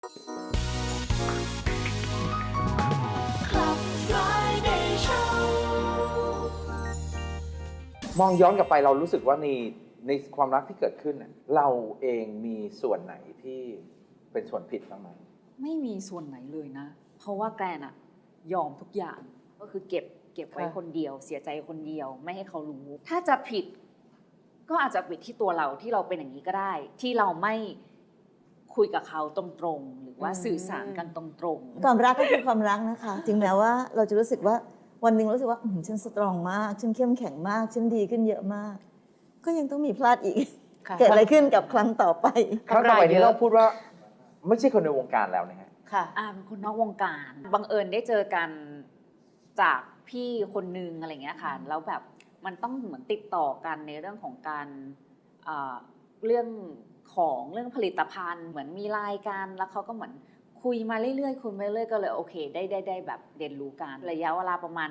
มองย้อนกลับไปเรารู้สึกว่าในความรักที่เกิดขึ้นเราเองมีส่วนไหนที่เป็นส่วนผิดบ้างไหมไม่มีส่วนไหนเลยนะเพราะว่าแกรนอะยอมทุกอย่างก็คือเก็บไว้คนเดียวเสียใจคนเดียวไม่ให้เขารู้ถ้าจะผิดก็อาจจะผิดที่ตัวเราที่เราเป็นอย่างนี้ก็ได้ที่เราไม่คุยกับเขาตรงๆหรือว่าสื่อสารกันตรงๆความรักก็คือความรักนะคะถึงแม้ว่าเราจะรู้สึกว่าวันหนึ่งรู้สึกว่าฉันสตรองมากฉันเข้มแข็งมากฉันดีขึ้นเยอะมากก็ยังต้องมีพลาดอีกเกิดอะไรขึ้นกับครั้งต่อไปครั้งต่อไปนี้เราพูดว่าไม่ใช่คนในวงการแล้วนะฮะค่ะเป็นคนนอกวงการบังเอิญได้เจอกันจากพี่คนนึงอะไรเงี้ยค่ะแล้วแบบมันต้องเหมือนติดต่อกันในเรื่องของการเรื่องผลิตภัณฑ์เหมือนมีรายการแล้วเขาก็เหมือนคุยมาเรื่อยๆคุยมาเรื่อยๆก็เลยโอเคได้แบบเรียนรู้กันระยะเวลาประมาณ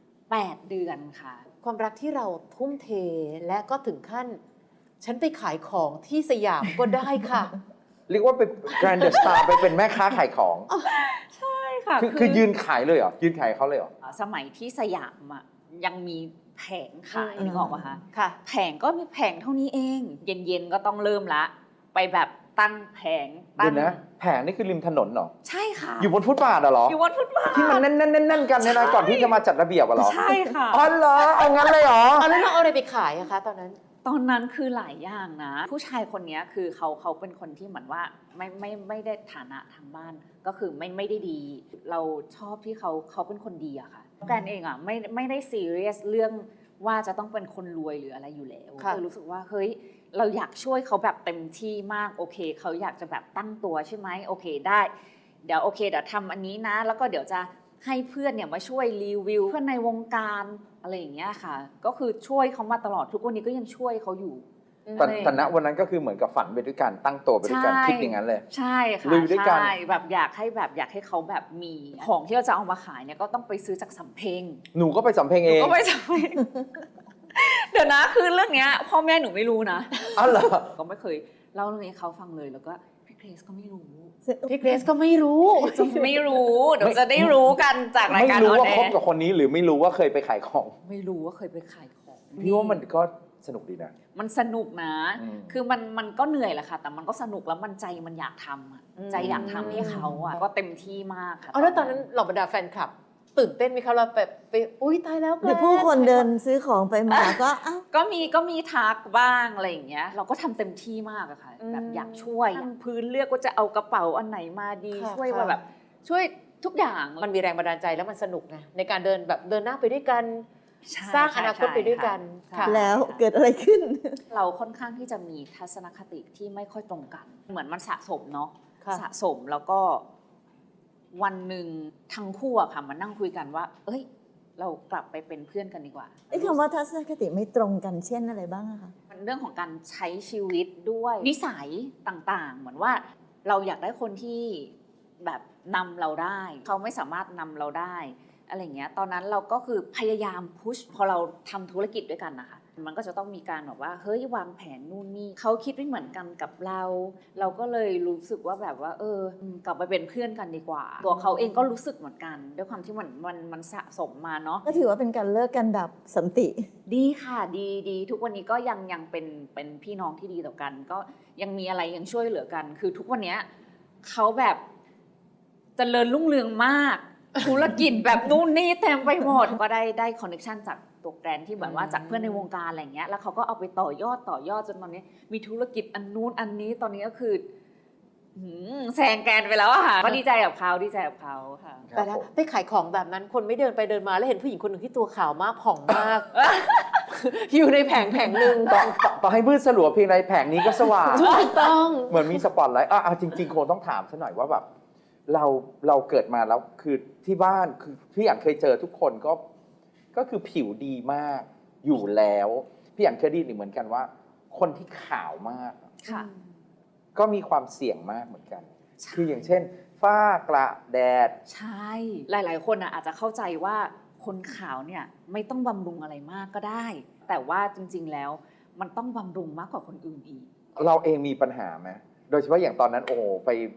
8 เดือนค่ะความรักที่เราทุ่มเทและก็ถึงขั้นฉันไปขายของที่สยามก็ได้ค่ะเรียกว่าเป็นแกรนด์สตาร์ไปเป็นแม่ค้าขายของใช่ค่ะคือยืนขายเลยเหรอยืนขายเขาเลยเหรอสมัยที่สยามยังมีแผงขายนึกออกป่ะคะค่ะแผงก็มีแผงเท่านี้เองเย็นๆก็ต้องเริ่มละไปแบบตั้งแผงเดี๋ยวนะแผงนี่คือริมถนนเหรอใช่ค่ะอยู่บนฟุตบาทเหรออยู่บนฟุตบาทที่มันแน่นๆกันเนี่ยนะก่อนที่จะมาจัดระเบียบเหรอใช่ค่ะอ๋อเหรอเอางั้นเลยเหรอแล้วเราเอาอะไรไปขายอะคะตอนนั้นคือหลายอย่างนะผู้ชายคนนี้คือเขาเป็นคนที่เหมือนว่าไม่ได้ฐานะทางบ้านก็คือไม่ได้ดีเราชอบที่เขาเป็นคนดีอะค่ะแกนเองอะไม่ได้ซีเรียสเรื่องว่าจะต้องเป็นคนรวยหรืออะไรอยู่แล้วรู้สึกว่าเฮ้ยเราอยากช่วยเขาแบบเต็มที่มากโอเคเขาอยากจะแบบตั้งตัวใช่ไหมโอเคได้เดี๋ยวทำอันนี้นะแล้วก็เดี๋ยวจะให้เพื่อนเนี่ยมาช่วยรีวิวเพื่อนในวงการอะไรอย่างเงี้ยค่ะก็คือช่วยเขามาตลอดทุกวันนี้ก็ยังช่วยเขาอยู่แต่ณวันนั้นก็คือเหมือนกับฝันไปด้วยกันตั้งตัวไปด้วยกันคิดอย่างนั้นเลยใช่ค่ะลุยด้วยกันแบบอยากให้เขาแบบมีของที่เราจะเอามาขายเนี่ยก็ต้องไปซื้อจากสำเพ็งหนูก็ไปสำเพ็งเองก็ไปสำเพ็งเดี๋ยวนะคือเรื่องเนี้ยพ่อแม่หนูไม่รู้นะอ๋อเหรอก็ไม่เคยเล่าเรื่องนี้เขาฟังเลยแล้วก็พี่เกรซก็ไม่รู้เดี๋ยวจะได้รู้กันจากรายการไม่รู้ว่าคบกับคนนี้หรือไม่รู้ว่าเคยไปขายของไม่รู้ว่าเคยไปขายของพี่ว่ามันก็สนุกดีนะมันสนุกนะคือมันก็เหนื่อยแหละค่ะแต่มันก็สนุกแล้วมันใจมันอยากทำใจอยากทำให้เขาก็เต็มที่มากค่ะแล้วตอนนั้นเหล่าบรรดาแฟนคลับตื่นเต้นไหมคะเราไปอุ้ยตายแล้วหรือผู้คนเดินซื้อของไปมาก็มีทักบ้างอะไรอย่างเงี้ยเราก็ทำเต็มที่มากอะค่ะแบบอยากช่วยพื้นเลือกว่าจะเอากระเป๋าอันไหนมาดีช่วยว่าแบบช่วยทุกอย่างมันมีแรงบันดาลใจแล้วมันสนุกไงในการเดินหน้าไปด้วยกันสร้างอนาคตไปด้วยกันแล้วเกิดอะไรขึ้นเราค่อนข้างที่จะมีทัศนคติที่ไม่ค่อยตรงกันเหมือนมันสะสมเนาะสะสมแล้วก็วันหนึ่งทั้งคู่อะค่ะมานั่งคุยกันว่าเอ้ยเรากลับไปเป็นเพื่อนกันดีกว่าคำว่าทัศนคติไม่ตรงกันเช่นอะไรบ้างอะคะมันเรื่องของการใช้ชีวิตด้วยนิสัยต่างๆเหมือนว่าเราอยากได้คนที่แบบนำเราได้เขาไม่สามารถนำเราได้อะไรเงี้ยตอนนั้นเราก็คือพยายามพุชพอเราทำธุรกิจด้วยกันนะคะมันก็จะต้องมีการแบบว่าเฮ้ยวางแผนนู่นนี่เขาคิดไม่เหมือนกันกับเราก็เลยรู้สึกว่าแบบว่ากลับไปเป็นเพื่อนกันดีกว่าตัวเขาเองก็รู้สึกเหมือนกันด้วยความที่มันสะสมมาเนาะก็ถือว่าเป็นการเลิกกันแบบสันติดีค่ะดีทุกวันนี้ก็ยังเป็นพี่น้องที่ดีต่อกันก็ยังมีอะไรยังช่วยเหลือกันคือทุกวันนี้เขาแบบเจริญรุ่งเรืองมากธุรกิจแบบนู่นนี่เต็มไปหมดก็ได้คอนเนคชั่นจากตัวแกรนที่เหมือนว่าจากเพื่อนในวงการอะไรเงี้ยแล้วเขาก็เอาไปต่อยอดจนตอนนี้มีธุรกิจอันนู้นอันนี้ตอนนี้ก็คือแซงแกรนไปแล้วอะค่ะก็ดีใจกับเขาค่ะแต่แล้วไปขายของแบบนั้นคนไม่เดินไปเดินมาแล้วเห็นผู้หญิงคนหนึ่งที่ตัวขาวมากผ่องมาก อยู่ในแผงหนึ่งต่อให้มืดสลัวเพียงใดแผงนี้ก็สว่างถูกต้องเหมือนมีสปอตไลท์จริงๆคงต้องถามซะหน่อยว่าแบบเราเกิดมาแล้วคือที่บ้านคือพี่อยากเคยเจอทุกคนก็คือผิวดีมากอยู่แล้วพี่อยากเคยได้ยินเหมือนกันว่าคนที่ขาวมากก็มีความเสี่ยงมากเหมือนกันคืออย่างเช่นฝ้ากระแดดใช่หลายๆคนอาจจะเข้าใจว่าคนขาวเนี่ยไม่ต้องบำรุงอะไรมากก็ได้แต่ว่าจริงๆแล้วมันต้องบำรุงมากกว่าคนอื่นอีกเราเองมีปัญหาไหมโดยเฉพาะอย่างตอนนั้นไป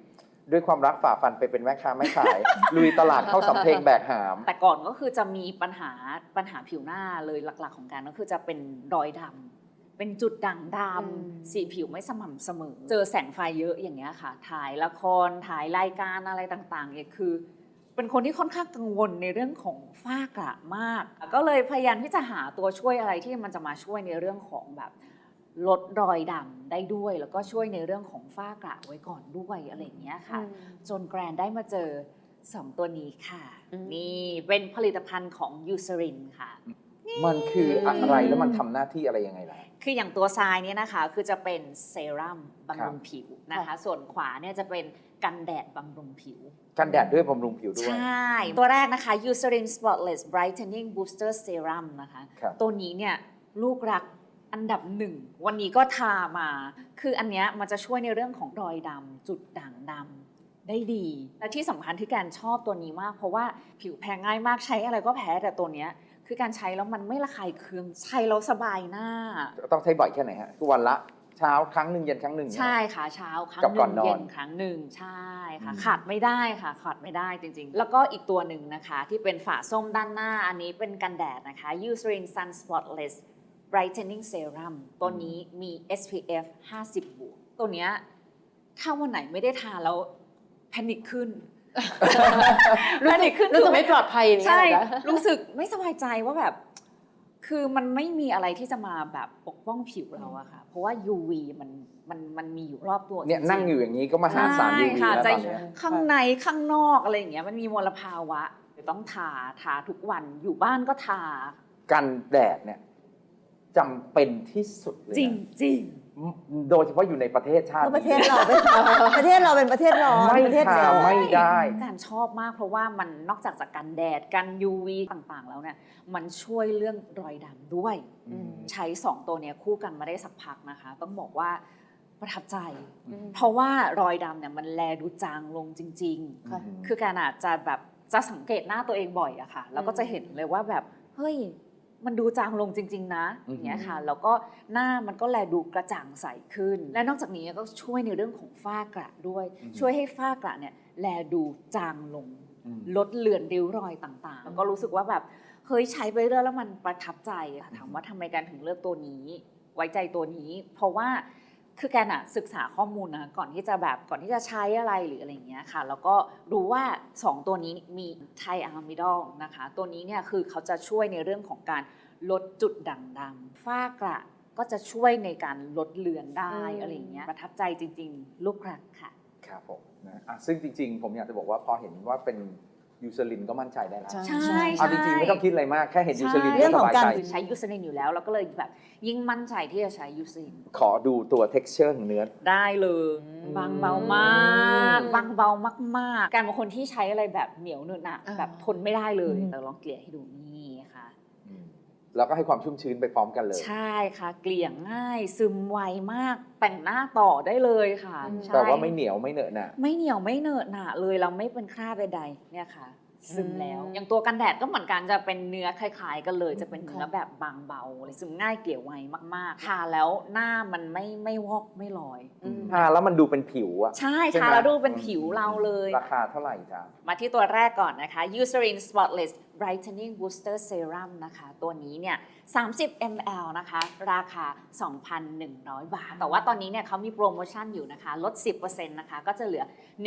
ด้วยความรักฝ่าฟันไปเป็นแม่ค้าไม่ขาย ลุยตลาดเข้าสำเพ็งแบกหามแต่ก่อนก็คือจะมีปัญหาผิวหน้าเลยหลักๆของการก็คือจะเป็นรอยดำเป็นจุดด่างดำสีผิวไม่สม่ำเสมอ เจอแสงไฟเยอะอย่างเงี้ยค่ะ ถ่ายละครถ่ายรายการอะไรต่างๆเนี่ยคือ เป็นคนที่ค่อนข้างกังวลในเรื่องของฝ้ากระมาก ก็เลยพยายามที่จะหาตัวช่วยอะไรที่มันจะมาช่วยในเรื่องของแบบลดรอยดำได้ด้วย แล้วก็ช่วยในเรื่องของฝ้ากระไว้ก่อนด้วยอะไรอย่างเงี้ยค่ะ จนแกรนได้มาเจอ 2 ตัวนี้ค่ะ นี่เป็นผลิตภัณฑ์ของยูซ r รินค่ะมันคืออะไรแล้วมันทำหน้าที่อะไรยังไงล่ะคืออย่างตัวทรายเนี่ยนะคะคือจะเป็นเซรั่มบำรุงผิวนะคะ ส่วนขวาเนี่ยจะเป็นกันแดดบำรุงผิวกันแดดด้วยบำรุงผิวด้วยใช่ ตัวแรกนะคะ Eucerin Spotless Brightening Booster Serum นะคะครับตัวนี้เนี่ยลูกรักอันดับ 1 วันนี้ก็ทามา คืออันเนี้ยมันจะช่วยในเรื่องของรอยดำจุดด่างดำได้ดี และที่สำคัญที่การชอบตัวนี้มาก เพราะว่าผิวแพ้ง่ายมากใช้อะไรก็แพ้แต่ตัวเนี้ยคือการใช้แล้วมันไม่ระคายเคืองใช้แล้วสบายหน้าต้องใช้บ่อยแค่ไหนฮะทุกวันละเช้าครั้งหนึ่งเย็นครั้งหนึ่งเนี่ยใช่ค่ะเช้าครั้งกับหก่อนนึ่งนอนเย็นครั้งหนึ่งใช่ค่ะอืมขาดไม่ได้ค่ะขาดไม่ได้จริงๆ แล้วก็อีกตัวหนึ่งนะคะที่เป็นฝาส้มด้านหน้าอันนี้เป็นกันแดดนะคะ Eucerin Sun Spotless Brightening Serum ตัวนี้มี SPF 50 บวกตัวเนี้ยถ้าวันไหนไม่ได้ทาแล้วแพนิคขึ้น แพนิคขึ้นรู้สึกไม่ปลอดภัยอย่างเงี้ยใช่เหรอคะรู้สึกไม่สบายใจว่าแบบ คือมันไม่มีอะไรที่จะมาแบบปกป้องผิวเราอะค่ะ เพราะว่า UV มันมีอยู่รอบตัวเนี่ยจริๆนั่งอยู่อย่างนี้ก็มาหาสารใช่ UV ค่ะแล้วจะตอนเนี้ยข้างในข้างนอกอะไรอย่างเงี้ยมันมีมลภาวะต้องทาทุกวันอยู่บ้านก็ทากันแดดเนี่ยจำเป็นที่สุดเลยจริงนะจริงโดยเฉพาะอยู่ในประเทศชาติเพราะประเทศเราเป็นประเทศเราเป็นประเทศร้อนไม่ประเทศทาร้อนไม่ได้การชอบมากเพราะว่ามันนอกจากกันแดดกัน UV ต่างๆ แล้วเนี่ยมันช่วยเรื่องรอยดำด้วยอืมใช้ 2 ตัวเนี้ยคู่กันมาได้สักพักนะคะ ต้องบอกว่าประทับใจอืมเพราะว่ารอยดำเนี่ยมันแลดูจางลงจริงค่ะๆ คือการอาจจะแบบจะสังเกตหน้าตัวเองบ่อยอะค่ะ แล้วก็จะเห็นเลยว่าแบบเฮ้ยมันดูจางลงจริง ๆ นะอย่างเงี้ยค่ะ แล้วก็หน้ามันก็แลดูกระจ่างใสขึ้น และนอกจากนี้ก็ช่วยในเรื่องของฝ้ากระด้วย ช่วยให้ฝ้ากระเนี่ยแลดูจางลงอืมลดเลือนริ้วรอยต่างๆ แล้วก็รู้สึกว่าแบบเฮ้ยใช้ไปเรื่อยแล้วมันประทับใจอะถามว่าทำไมการถึงเลือกตัวนี้ ไว้ใจตัวนี้ เพราะว่าคือการอะศึกษาข้อมูลนะก่อนที่จะใช้อะไรหรืออะไรอย่างเงี้ยค่ะ แล้วก็รู้ว่า 2 ตัวนี้มีไทอะมิดอลนะคะ ตัวนี้เนี่ยคือเขาจะช่วยในเรื่องของการลดจุดด่างดำฝ้ากระก็จะช่วยในการลดเลือนได้อะไรอย่างเงี้ยประทับใจจริงๆ ลูกรักค่ะครับผมนะซึ่งจริงๆ ผมอยากจะบอกว่าพอเห็นว่าเป็นยูซ r รินก็มั่นใจได้แล้วใช่ใช่เอาจริงๆ ไม่ต้องคิดอะไรมาก แค่เห็นยูซ r รินเรื่ก็องสของบายการใจใช้ยูซ r รินอยู่แล้วเราก็เลยแบบยิ่งมั่นใจที่จะใช้ยูซ r รินขอดูตัว texture ของเนื้อได้เลยบางเบามากบางเบามากๆการบางคนที่ใช้อะไรแบบเหนียวเนื้อหนะแบบทนไม่ได้เลยแต่ลองเกลี่ยให้ดูนี่ค่ะแล้วก็ให้ความชุ่มชื้นไปพร้อมกันเลยใช่ค่ะ เกลี่ยง่ายซึมไวมากแต่งหน้าต่อได้เลยค่ะใช่แต่ว่าไม่เหนียวไม่เหนอะหนะไม่เหนียวไม่เหนอะหนะเลยเราไม่เป็นคราบใดๆเนี่ยค่ะ ซึมแล้ว อย่างตัวกันแดดก็เหมือนกันจะเป็นเนื้อคล้ายๆกันเลย จะเป็นเนื้อแบบบางเบาเลยซึมง่ายเกลี่ยไวมากๆทาแล้วหน้ามันไม่วอกไม่ลอยทาแล้วมันดูเป็นผิวอะใช่ใช่ไหมทาแล้วดูเป็นผิวเราเลยราคาเท่าไหร่จ๊ะมาที่ตัวแรกก่อนนะคะ Eucerin Spotless Brightening Booster Serum นะคะ ตัวนี้เนี่ย 30 ml นะคะ ราคา 2,100 บาท แต่ว่าตอนนี้เนี่ยเขามีโปรโมชั่นอยู่นะคะ ลด 10% นะคะ ก็จะเหลือ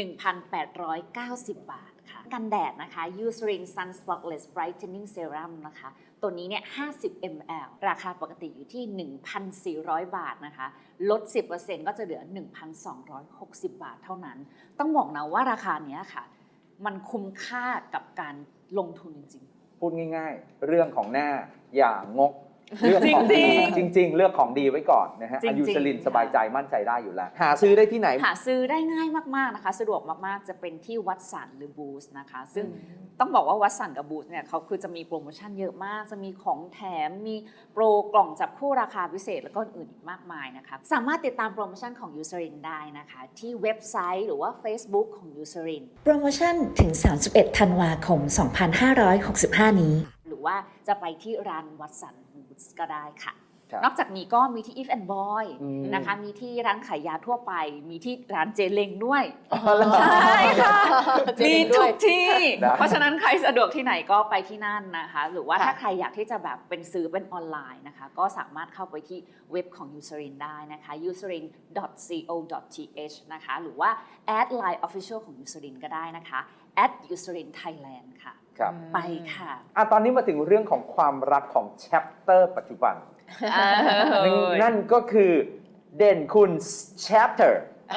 1,890 บาทค่ะ กันแดดนะคะ Eucerin Sun Spotless Brightening Serum นะคะ ตัวนี้เนี่ย 50 ml ราคาปกติอยู่ที่ 1,400 บาทนะคะ ลด 10% ก็จะเหลือ 1,260 บาทเท่านั้น ต้องบอกนะว่าราคาเนี้ยค่ะ มันคุ้มค่ากับการลงทุนจริงพูดง่ายๆ เรื่องของหน้าอย่างก เรื่องของจริดีงจริง ๆ เลือกของดีไว้ก่อนนะฮะจริงๆยูซ r รินค่ะสบายใจมั่นใจได้อยู่แล้ว หาซื้อได้ที่ไหนหาซื้อได้ง่ายมากๆนะคะ สะดวกมากๆ จะเป็นที่วัดสันหรือบูสนะคะ ซึ่งต้องบอกว่าวัดสันกับบูสเนี่ยเขาคือจะมีโปรโมชั่นเยอะมาก จะมีของแถม มีโปรกล่องจับคู่ราคาพิเศษแล้วก็อื่นอีกมากมายนะคะ สามารถติดตามโปรโมชั่นของยูซ r รินได้นะคะ ที่เว็บไซต์หรือว่า Facebook ของยูซ r รินโปรโมชั่นถึง 31 ธันวาคม 2565 นี้หรือว่าจะไปที่ร้านวัดสันบูสก็ได้ค่ะครับนอกจากนี้ก็มีที่ If and Boy อืมนะคะมีที่ร้านขายยาทั่วไป มีที่ร้านเจเล้งด้วยอ๋อเหรอใช่ค่ะเจเล้มีงด้ทุวยกที่นะเพราะฉะนั้นใครสะดวกที่ไหนก็ไปที่นั่นนะคะ หรือว่าค่ะถ้าใครอยากที่จะแบบเป็นซื้อเป็นออนไลน์นะคะ ก็สามารถเข้าไปที่เว็บของ Eucerin ได้นะคะ eucerin.co.th นะคะ หรือว่า add line official ของ Eucerin ก็ได้นะคะ @Eucerin Thailand ค่ะครับไปค่ะตอนนี้มาถึงเรื่องของความรักของ chapter ปัจจุบัน นั่นก็คือเด่นคุณ chapter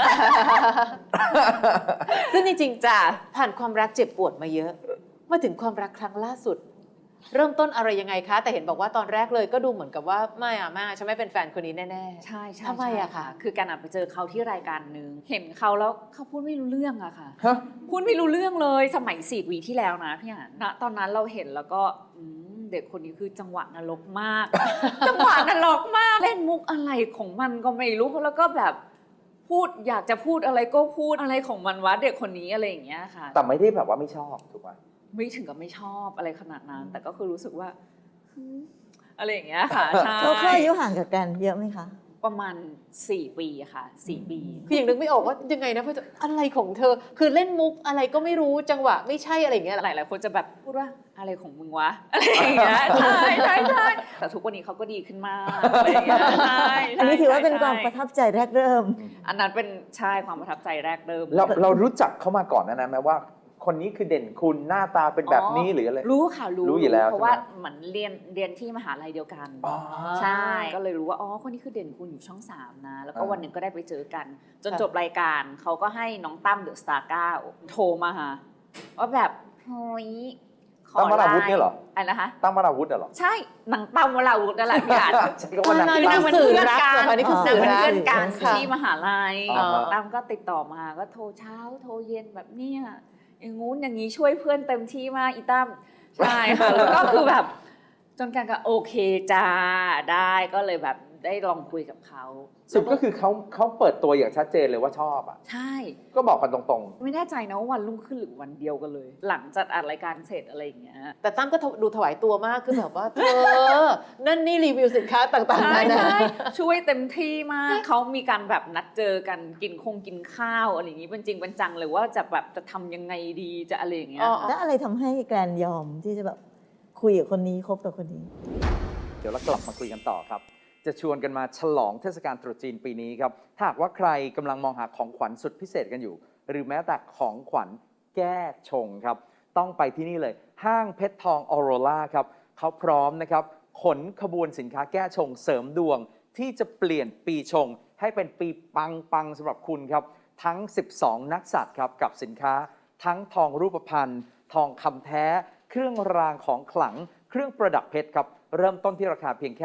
ซึ่งจริงๆจ้ะผ่านความรักเจ็บปวดมาเยอะ มาถึงความรักครั้งล่าสุด เริ่มต้นอะไรยังไงคะ แต่เห็นบอกว่าตอนแรกเลยก็ดูเหมือนกับว่าไม่ฉันไม่เป็นแฟนคนนี้แน่ๆใช่ใช่ทำไมอะใช่คะคือการไปเจอเขาที่รายการหนึ่งเห็นเขาแล้วเขาพูดไม่รู้เรื่องอะค่ะฮะพูดไม่รู้เรื่องเลยสมัย4 ปีที่แล้วนะพี่อ่ะณตอนนั้นเราเห็นแล้วก็เด็กคนนี้คือจังหวะนรกมาก จังหวะนรกมากเล่นมุกอะไรของมันก็ไม่รู้แล้วก็แบบพูดอยากจะพูดอะไรก็พูดอะไรของมันวะเด็กคนนี้อะไรอย่างเงี้ยค่ะแต่ไม่ได้แบบว่าไม่ชอบถูกไหมไม่ถึงกับไม่ชอบอะไรขนาดนั้น แต่ก็คือรู้สึกว่าอะไรอย่างเงี้ยค่ะใช่เขาอายุห่างกับกันเยอะไหมคะประมาณ4 ปีค่ะ4 ปีคือยังนึกไม่ออกว่ายังไงนะเพราะอะไรของเธอ คือเล่นมุกอะไรก็ไม่รู้จังหวะไม่ใช่อะไรอย่างเงี้ยหลายๆคนจะแบบพูดว่าอะไรของมึงวะอะไรอย่างเงี้ยใช่ใช่ใช่แต่ทุกวันนี้เขาก็ดีขึ้นมากอะไรอย่างเงี้ยใช่อันนี้ถือว่าเป็นความใช่ประทับใจแรกเริ่มอันนั้นเป็นใช่ความประทับใจแรกเริ่มเรารู้จักเขามาก่อนนะไหมว่า คนนี้คือเด่นคุณหน้าตาเป็นแบบนี้หรืออะไรรู้ค่ะรู้รู้อยู่แล้วเพราะว่าใช่ไหมเหมือนเรียนที่มหาลัยเดียวกันอ๋อใช่ก็เลยรู้ว่าอ๋อคนนี้คือเด่นคุณอยู่ช่อง 3นะแล้วก็อ่าวันหนึ่งก็ได้ไปเจอกัน จนค่ะจบรายการเขาก็ให้น้องตั้มเดอะสตาร์9โทรมาหาว่าแบบเฮ้ยขอตั้มวราวุธเนี่ยเหรออะไรนะคะตั้มวราวุธเหรอใช่หนังตั้มวราวุธนั่นแหละพี่อาร์ตใช่ก็ว่านักอ๋อกีฬานางเป็นสื่อเพื่อนรักกันเหรอคะนี่คือสื่นางอเป็นรักเพื่อนกันค่ะที่มหาลัยอ่าฮะตั้มก็ติดต่อมาก็โทรเช้าโทรเย็นแบบเนี้ยอย่างงู้นอย่างนี้ช่วยเพื่อนเต็มที่มากอีตั้มใช่ค่ะแล้วก็คือแบบจนกันก็โอเคจ้าได้ก็เลยแบบได้ลองคุยกับเขาสุดก็คือเขาเปิดตัวอย่างชัดเจนเลยว่าชอบอ่ะใช่ก็บอกกันตรงไม่แน่ใจนะว่าวันรุ่งขึ้นหรือวันเดียวกันเลย หลังจากอัดรายการเสร็จอะไรอย่างเงี้ยแต่ตั้มก็ดูถวายตัวมากคือแบบว่าเธอ นั่นนี่รีวิวสินค้าต่างๆใช่นานาใช่ช่วยเต็มที่มากเขามีการแบบนัดเจอกันกินข้าวอะไรอย่างงี้เป็นจริงเป็นจังเลยว่าจะแบบจะทำยังไงดีจะอะไรอย่างเงี้ยอ๋อค่ะแล้วอะไรทำให้แกรนยอมที่จะแบบคุยกับคนนี้คบกับคนนี้ๆ เดี๋ยวเรากลับมาคุยกันต่อครับ จะชวนกันมาฉลองเทศกาลตรุษจีนปีนี้ครับ ถ้าหากว่าใครกำลังมองหาของขวัญสุดพิเศษกันอยู่ หรือแม้แต่ของขวัญแก้ชงครับ ต้องไปที่นี่เลย ห้างเพชรทองออโรราครับเขาพร้อมนะครับขนขบวนสินค้าแก้ชงเสริมดวง ที่จะเปลี่ยนปีชง ให้เป็นปีปังๆสำหรับคุณครับ ทั้ง 12 นักสัตว์ครับกับสินค้า ทั้งทองรูปพรรณทองคำแท้ เครื่องรางของขลัง เครื่องประดับเพชรครับ เริ่มต้นที่ราคาเพียงแค่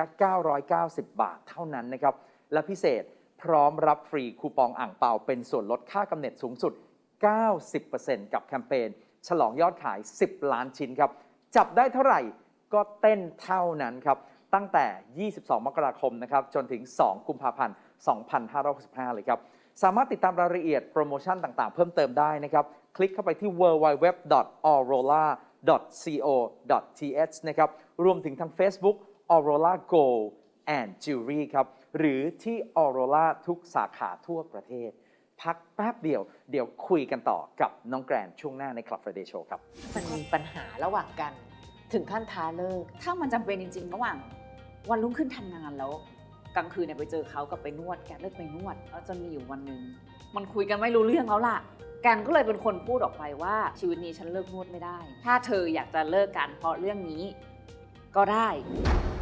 990 บาทเท่านั้นนะครับ และพิเศษพร้อมรับฟรีคูปองอ่างเปาเป็นส่วนลดค่ากำเนิดสูงสุด 90% กับแคมเปญฉลองยอดขาย 10 ล้านชิ้นครับ จับได้เท่าไหร่ก็เต้นเท่านั้นครับ ตั้งแต่ 22 มกราคมนะครับจนถึง 2 กุมภาพันธ์ 2565 เลยครับ สามารถติดตามรายละเอียดโปรโมชั่นต่างๆ เพิ่มเติมได้นะครับ คลิกเข้าไปที่ www.aurora.co.th นะครับ รวมถึงทาง Facebook Aurora Gold and Jewelry ครับ หรือที่ Aurora ทุกสาขาทั่วประเทศ พักแป๊บเดียว เดี๋ยวคุยกันต่อกับน้องแกรนช่วงหน้าใน Club Friday Show ครับมันมีปัญหาระหว่างกัน ถึงขั้นท้าเลิกถ้ามันจำเป็นจริงๆ ระหว่างวันรุ่งขึ้นทำงานแล้วกลางคืนเนี่ยไปเจอเขากับไปนวดแกเลิกไปนวดแล้วจนมีอยู่วันหนึ่งมันคุยกันไม่รู้เรื่องแล้วล่ะแกนก็เลยเป็นคนพูดออกไปว่าชีวิตนี้ฉันเลิกนวดไม่ได้ ถ้าเธออยากจะเลิกกันเพราะเรื่องนี้ก็ได้